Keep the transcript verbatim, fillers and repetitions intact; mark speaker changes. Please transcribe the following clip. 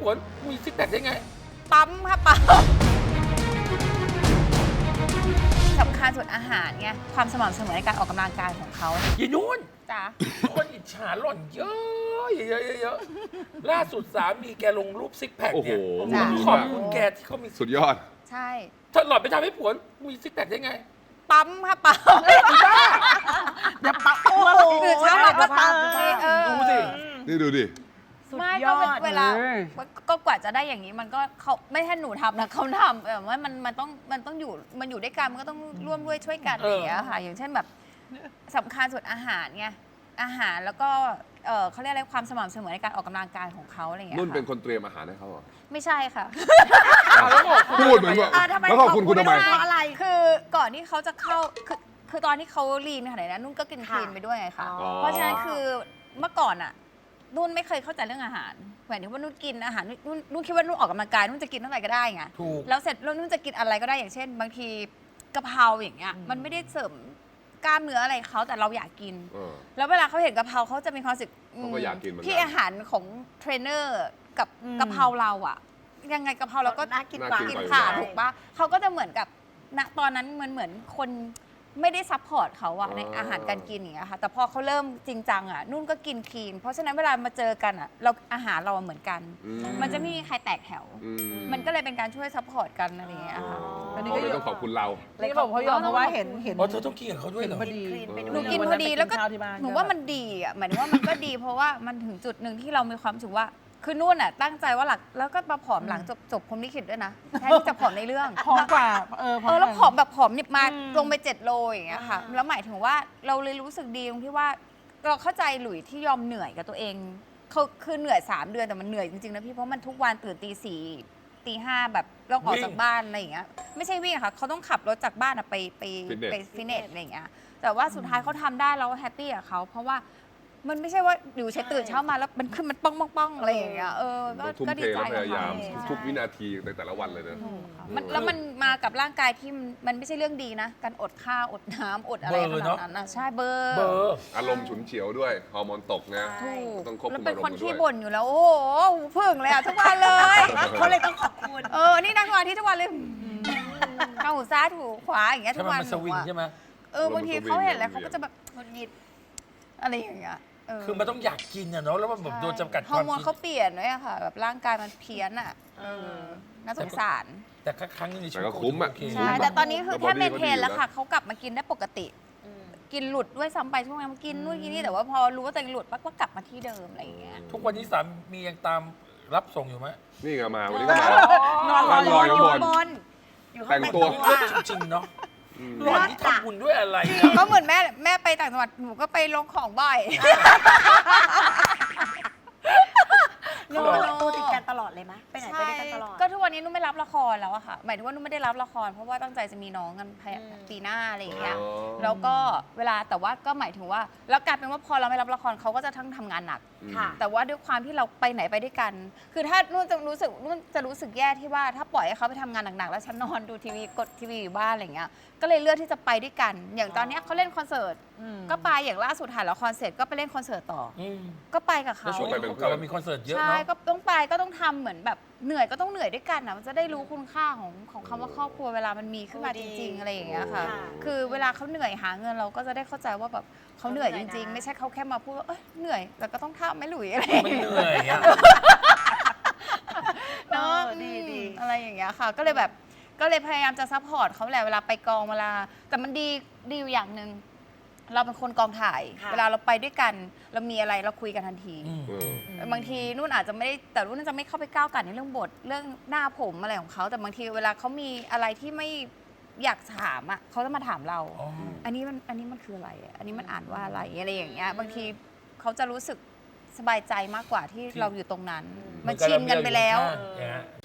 Speaker 1: ผัวมีซิกแพคได้ไง
Speaker 2: ปั๊มค่ะปั๊มสำคัญสุดอาหารไงความสม่ำเสมอในการออกกำลังกายของเขา
Speaker 1: ยีนุ่น
Speaker 2: จ้ะ
Speaker 1: คนอิจฉาหล่อนเยอะเยอะเยอะล่าสุดสามีแกลงรูปซิกแพคเนี่ยขอบคุณแกที่เขามี
Speaker 3: สุดยอด
Speaker 2: ใช่
Speaker 1: ถ้าหล่อนไปทำให้ผัวมีซิกแพคได้ไง
Speaker 2: ปั๊มค่ะปั๊ม
Speaker 1: บ้า
Speaker 4: อย่าปั๊มโอ้โห
Speaker 2: คือเช้ามาก็ปั๊มเออ
Speaker 1: ดูสิ
Speaker 3: นี่ดูดิ
Speaker 2: ไม่ก็เวลาก็กว่าจะได้อย่างนี้มันก็เขาไม่ใช่หนูทำนะเขาทำแบบว่ามันมันต้องมันต้องอยู่มันอยู่ด้วยกันมันก็ต้องร่วมด้วยช่วยกันอย่างเงี้ยค่ะอย่างเช่นแบบสำคัญสุดอาหารไงอาหารแล้วก็เออเขาเรียกอะไรความสม่ำเสมอในการออกกำลังกายของเขาอะไรอย่างเงี้ย
Speaker 3: นุ่นเป็นคนเตรียมอาหารให้เขาเหรอ
Speaker 2: ไม่ใช่ค่ะ
Speaker 3: พูดเหมือนว่าแล้วขอบคุณคุณทำไม
Speaker 2: อะไรคือก่อนที่เขาจะเข้าคือคือตอนที่เขาลีนขนาดนั้นนุ่นก็กินคลีนไปด้วยไงคะเพราะฉะนั้นคือเมื่อก่อนอะนุ่นไม่เคยเข้าใจเรื่องอาหารหมายถึงว่านุ่นกินอาหารนุ่นนุ่นคิดว่านุ่นออกกำลังกายนุ่นจะกินเท่าไหร่ก็ได้ไงแล้วเสร็จแล้วนุ่นจะกินอะไรก็ได้อย่างเช่น บางทีกะเพราอย่างเงี้ยมันไม่ได้เสริมกล้ามเนื้ออะไรเขาแต่เราอยากกินแล้วเวลาเขาเห็นกะเพราเขาจะมีความรู้สึก
Speaker 3: เขาก็อยากกินเหมือนกัน
Speaker 2: ที่อาหารของเทรนเนอร์กับกะเพราเราอะยังไงกะเพราเราก็น่ากินกว่ากินผ่าถูกปะเขาก็จะเหมือนกับณตอนนั้นมันเหมือนคนไม่ได้ซัพพอร์ตเขาอะในอาหารการกินอย่างเงี้ยค่ะแต่พอเขาเริ่มจริงจังอะนุ่นก็กินคลีนเพราะฉะนั้นเวลามาเจอกันอะเราอาหารเราเหมือนกันมันจะไม่มีใครแตกแถวมันก็เลยเป็นการช่วยซัพพอร์ตกันอะไรอย่างเงี้ยค่ะ
Speaker 3: อันนี้ก็ต้องขอบคุณเรา
Speaker 4: เลยบอกเขายอมเพราะว่าเห็นเห็น
Speaker 1: อ๋อเธอต้องกินกับเขาด้วยเหรอ
Speaker 4: พอดี
Speaker 2: หนูกินพอดีแล้วก็หนูว่ามันดีอะหมายถึงว่ามันก็ดีเพราะว่ามันถึงจุดหนึ่งที่เรามีความรู้สึกว่าคือนุ่นอ่ะตั้งใจว่าหลักแล้วก็มาผอมหลังจบจบพรหมลิขิตด้วยนะแทนที่จะผอมในเรื่อง
Speaker 4: ผอมกว่าเออ
Speaker 2: เออแล้วผอมแบบผอมนิบมาลงไปเจ็ดโลอย่างเงี้ยค่ะแล้วหมายถึงว่าเราเลยรู้สึกดีตรงที่ว่าเราเข้าใจหลุยที่ยอมเหนื่อยกับตัวเองเขาคือเหนื่อยสามเดือนแต่มันเหนื่อยจริงๆนะพี่เพราะมันทุกวันตื่นตีสี่ตีห้าแบบต้องออกจากบ้านอะไรอย่างเงี้ยไม่ใช่วิ่งค่ะเขาต้องขับรถจากบ้านไปไปไปฟิตเนสอะไรอย่างเงี้ยแต่ว่าสุดท้ายเขาทำได้เราแฮปปี้กับเขาเพราะว่ามันไม่ใช่ว่าอยู่เช้าตื่นเช้ามาแล้วมันขึ้นมันป้องป้องป้องอะไรอย่างเงี้ยเออ
Speaker 3: ก็ดีใจพยายามทุกวินาทีในแต่ละวันเลยนะ
Speaker 2: แล้วมันมากับร่างกายที่มันไม่ใช่เรื่องดีนะการอดข้าวอดน้ำอดอะไรขนาดนั้นนะใช่เบอร์
Speaker 3: อารมณ์ฉุนเฉียวด้วยฮอร์โมนตกนะ
Speaker 2: ต้องควบคุมอารมณ์ด้วยแล้วเป็นคนที่บ่นอยู่แล้วโอ้โหหูพึ่งเลยอ่ะทุกวันเลย
Speaker 4: เขาเลยต้องขอบคุณ
Speaker 2: เออนี่นั่งวันที่ทุกวันเลยเอาหูซ้ายถูขวาอย่างเงี้ยทุกวัน
Speaker 1: สวิงใช่ไหม
Speaker 2: เออบางทีเขาเห็นแล้วเขาก็จะแบบหงุดหงิดอะไรอย่างเงี้ย
Speaker 1: คือมันต้องอยากกินอะเนาะแล้วมันแบบโดนจำกัดความ
Speaker 2: ฮอร์โมนเขาเปลี่ยนด้วยค่ะแบบร่างกายมันเพี้ยนอะน่าสงสาร
Speaker 1: แต่ครั้งนึงในชีวิต
Speaker 3: ก็คุ้มอะ
Speaker 2: ใช่แต่ตอนนี้คือแค่เมนเทนแล้วค่ะเขากลับมากินได้ปกติกินหลุดด้วยซ้ำไปช่วงนั้นกินนู่นกินนี่แต่ว่าพอรู้ว่าตัวเองหลุดปั๊บก็กลับมาที่เดิมอะไรอย่างเงี้ย
Speaker 1: ทุกวันนี้สามียังตามรับส่งอยู่ไหม
Speaker 3: นี่ก็มาวันนี้ก็มานอนรออยู่บนแต่งตัว
Speaker 1: จริงๆเนาะหล่อนที่ทำบุญด้วยอะไร
Speaker 2: ก็เหมือนแม่แม่ไปต่างจังหวัดหนูก็ไปลงของบ่อย
Speaker 4: ตัวติดกันตลอดเลยไหมไปไหนไปด้วยกันตลอด
Speaker 2: ก็ทุกวันนี้นุ่นไม่รับละครแล้วอะค่ะหมายถึงว่านุ่นไม่ได้รับละครเพราะว่าตั้งใจจะมีน้องกันปีหน้าอะไรอย่างเงี้ยแล้วก็เวลาแต่ว่าก็หมายถึงว่าแล้วกลายเป็นว่าพอเราไม่รับละครเขาก็จะทั้งทำงานหนักแต่ว่าด้วยความที่เราไปไหนไปด้วยกันคือถ้านุ่นจะรู้สึกนุ่นจะรู้สึกแย่ที่ว่าถ้าปล่อยให้เขาไปทำงานหนักๆแล้วฉันนอนดูทีวีกดทีวีอยู่บ้านอะไรอย่างเงี้ยก็เลยเลือกที่จะไปด้วยกันอย่างตอนนี้เขาเล่นคอนเสิร์ตก็ไปอย่างล่าสุดถ่ายละครเสร็จก็ไปเล่นคอนเสิร์ตต่อก็ไปกับเขา
Speaker 1: ช่วงไปเป็นเพื่อนมีคอนเสิร์ตเยอะเนาะ
Speaker 2: ใช่ก็ต้องไปก็ต้องทำเหมือนแบบเหนื่อยก็ต้องเหนื่อยด้วยกันนะมันจะได้รู้คุณค่าของของคำว่าครอบครัวเวลามันมีขึ้นมาจริงๆอะไรอย่างเงี้ยค่ะคือเวลาเขาเหนื่อยหาเงินเราก็จะได้เข้าใจว่าแบบเขาเหนื่อยจริงๆไม่ใช่เขาแค่มาพูดว่าเอ้ยเหนื่อยแต่ก็ต้องทำไม่หลุยอะไร
Speaker 1: ไม่เหนื่อยอะ
Speaker 2: เนาะดีๆอะไรอย่างเงี้ยค่ะก็เลยแบบก็เลยพยายามจะซัพพอร์ตเขาแหละเวลาไปกองเวลาแต่มันดีดีอยู่อย่างหนึ่งเราเป็นคนกองถ่ายเวลาเราไปด้วยกันเรามีอะไรเราคุยกันทันทีบางทีนุ่นอาจจะไม่ได้แต่นุ่นจะไม่เข้าไปก้าวกันในเรื่องบทเรื่องหน้าผมอะไรของเขาแต่บางทีเวลาเขามีอะไรที่ไม่อยากถามอ่ะเขาจะมาถามเราอันนี้มันอันนี้มันคืออะไรอันนี้มันอ่านว่าอะไรอะไรอย่างเงี้ยบางทีเขาจะรู้สึกสบายใจมากกว่าที่เราอยู่ตรงนั้นมันชินกันไปแล้ว